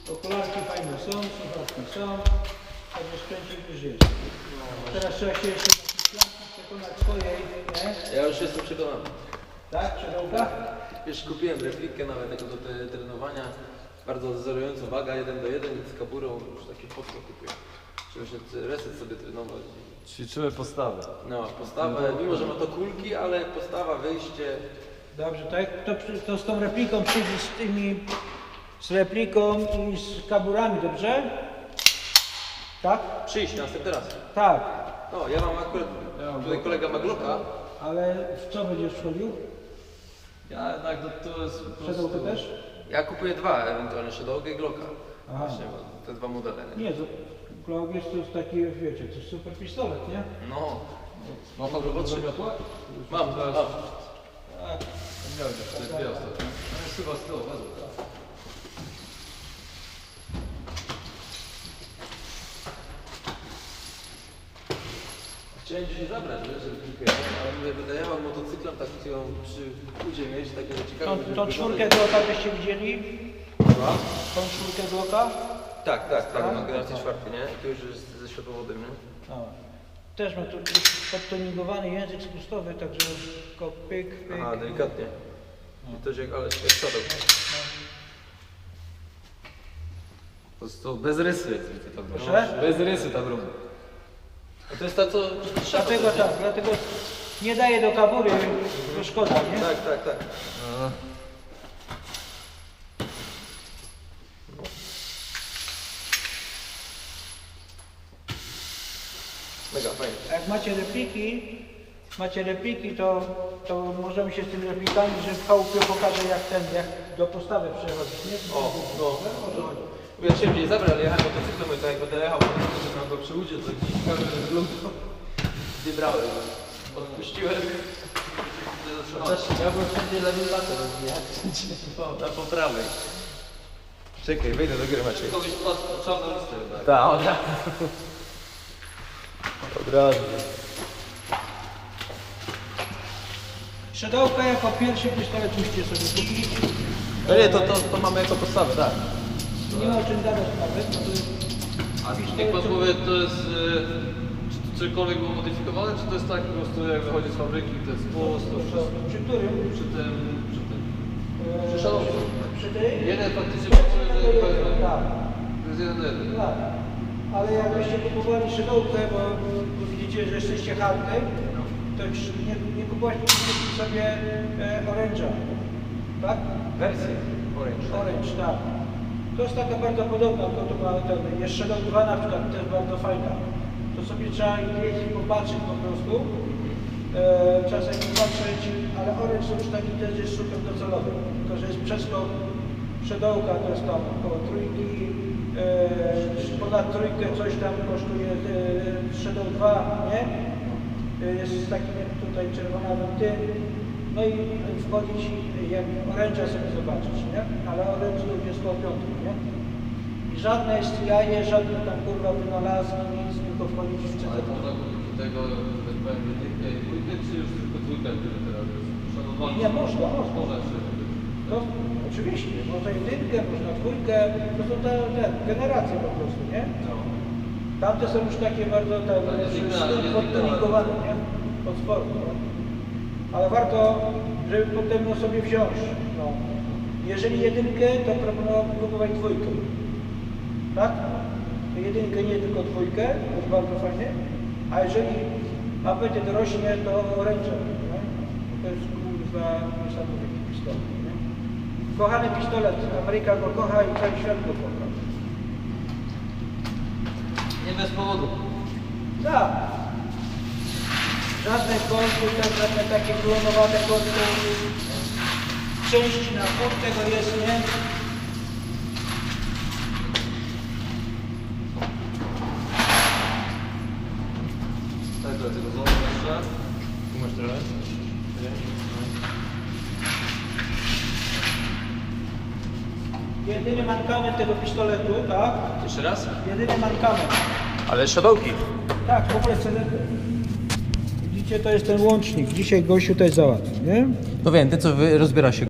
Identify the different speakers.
Speaker 1: Okularki fajne są, słuchawki są, także sprzęcik już jest. Teraz trzeba się jeszcze przekonać swojej, nie?
Speaker 2: Ja już jestem przekonany.
Speaker 1: Tak? Przedołka?
Speaker 2: Wiesz, kupiłem replikę nawet tego do trenowania. Bardzo wzorującą waga 1:1 z kaburą, już takie fotko kupiłem. Żeby się reset sobie trenować.
Speaker 3: Ćwiczymy postawę.
Speaker 2: No, postawę, mimo że ma to kulki, ale postawa, wyjście.
Speaker 1: Dobrze, tak? To z tą repliką przyjdzie z repliką i z kaburami, dobrze? Tak?
Speaker 2: Przyjść następny raz.
Speaker 1: Tak.
Speaker 2: No, ja mam akurat, tutaj kolega ma Glocka.
Speaker 1: Ale w co będziesz wchodził?
Speaker 3: Ja jednak to jest po prostu...
Speaker 1: Przedołkę też?
Speaker 2: Ja kupuję dwa, ewentualnie Shadow'ę i Glocka.
Speaker 1: Aha.
Speaker 2: Właśnie, te dwa modele. Nie?
Speaker 1: Nie, to Glock jest taki, wiecie, to jest super pistolet, nie?
Speaker 2: No,
Speaker 3: Ma pan robotę miotła?
Speaker 2: mam.
Speaker 3: Tak. Miałem jeszcze te dwie ostatnie. No jest chyba z tyłu, wezmę.
Speaker 2: Chciałem dzisiaj zabrać, wiesz, żeby kilka, ale mówię, będę jechał motocyklem, tak ją przy budzie mieć, takie ciekawe.
Speaker 1: Tą czwórkę Glocka byście widzieli? Tą czwórkę Glocka?
Speaker 2: Tak, mam generację czwartą, nie? I to już jest ze światłowodem, nie?
Speaker 1: No. Też ma tu podtoningowany język spustowy, także tylko pyk, pyk.
Speaker 2: Aha, delikatnie. I to jak, ale jak Shadow.
Speaker 3: Po prostu bez rysy.
Speaker 1: Proszę?
Speaker 3: Bez rysy ta bruma.
Speaker 2: A to jest ta, co...
Speaker 1: Dlatego tak, dlatego nie daje do kabury, to szkoda, nie?
Speaker 2: Tak. Mega, fajnie.
Speaker 1: A jak macie repliki, to możemy się z tymi replikami, że w chałupie pokażę jak do postawy przechodzić, nie?
Speaker 2: O, no. Ja chciałem gdzieś zabrać, ale jechałem motocyklem i tak jak będę jechał, to tam go przy łudzie, to gdzieś kamerę wyglądał. Nie brałem. Odpuściłem. Ja byłem wszędzie lewym latem, nie? Na poprawej. Czekaj, wejdę do gry, Maciej.
Speaker 3: Kogoś czarną listę jednak.
Speaker 2: Tak, od razu. Od razu.
Speaker 1: Shadowka jako pierwszy pistolet musicie sobie kupić.
Speaker 2: No nie, to mamy jako podstawę, tak.
Speaker 1: Nie ma o czym gadać nawet, bo to jest
Speaker 3: A niech pan powie, to jest... Czy to cokolwiek było modyfikowane, czy to jest tak po prostu jak wychodzi z fabryki, to jest spust, to wszystko
Speaker 1: przy którym?
Speaker 3: przy tym...
Speaker 2: Przy Shadowku.
Speaker 1: Przy tej?
Speaker 3: Jeden faktycznie pasuje, że
Speaker 1: Tak,
Speaker 3: to jest 1:1.
Speaker 1: tak. Ale jakbyście kupowali Shadowkę, bo widzicie, że jesteście hardem, to już nie kupowaliście sobie Orange'a, tak?
Speaker 2: Wersję Orange.
Speaker 1: Orange, tak. To jest taka bardzo podobna, tylko to ma ten, jest Shadow 2 na przykład, też bardzo fajna. To sobie trzeba jeździć i popatrzeć po prostu. Czasem popatrzeć, ale Orange to już taki też jest super docelowy. Tylko, że jest przeskok Shadowka, to jest tam około trójki, ponad trójkę coś tam kosztuje Shadow 2, nie? Jest z takim tutaj czerwonawym tym. No i wchodzić, jak Orange'a sobie zobaczyć, nie? Ale Orange to już jest koło piątku, nie? I żadne jest jaje, żadne tam kurwa wynalazki, nic, tylko wchodzić w
Speaker 3: Ale
Speaker 1: czytę.
Speaker 3: można kupić tego, tak powiem, jedynkę i dwójkę, czy już tylko dwójkę, który teraz jest szanowany?
Speaker 1: Nie, można.
Speaker 3: Można jeszcze.
Speaker 1: To oczywiście, można jedynkę, można dwójkę, to są te generacje po prostu, nie?
Speaker 3: No.
Speaker 1: Tamte są już takie bardzo podtoningowane, nie? Od sportu, nie? Ale warto, żeby potem sobie wziąć. No. Jeżeli jedynkę, to proponowałbym kupować dwójkę. Tak? To jedynkę, nie tylko dwójkę, to jest bardzo fajnie. A jeżeli apetyt rośnie, to Orange'a. To jest kurwa niesamowity pistolet. Nie? Kochany pistolet, Ameryka go kocha i cały świat go kocha.
Speaker 2: Nie bez powodu.
Speaker 1: Tak. Żadne kordy, żadne takie klonowate kordy. Część na pół tego jest, nie?
Speaker 3: Tak, do tego znowu jeszcze.
Speaker 2: Tu masz tyle?
Speaker 1: Jedyny mankament tego pistoletu, tak?
Speaker 2: Jeszcze raz?
Speaker 1: Jedyny mankament.
Speaker 2: Ale Shadowki.
Speaker 1: Tak, w ogóle CD. Widzicie, to jest ten łącznik. Dzisiaj gościu też załatwi, nie?
Speaker 2: No wiem, ten co rozbiera się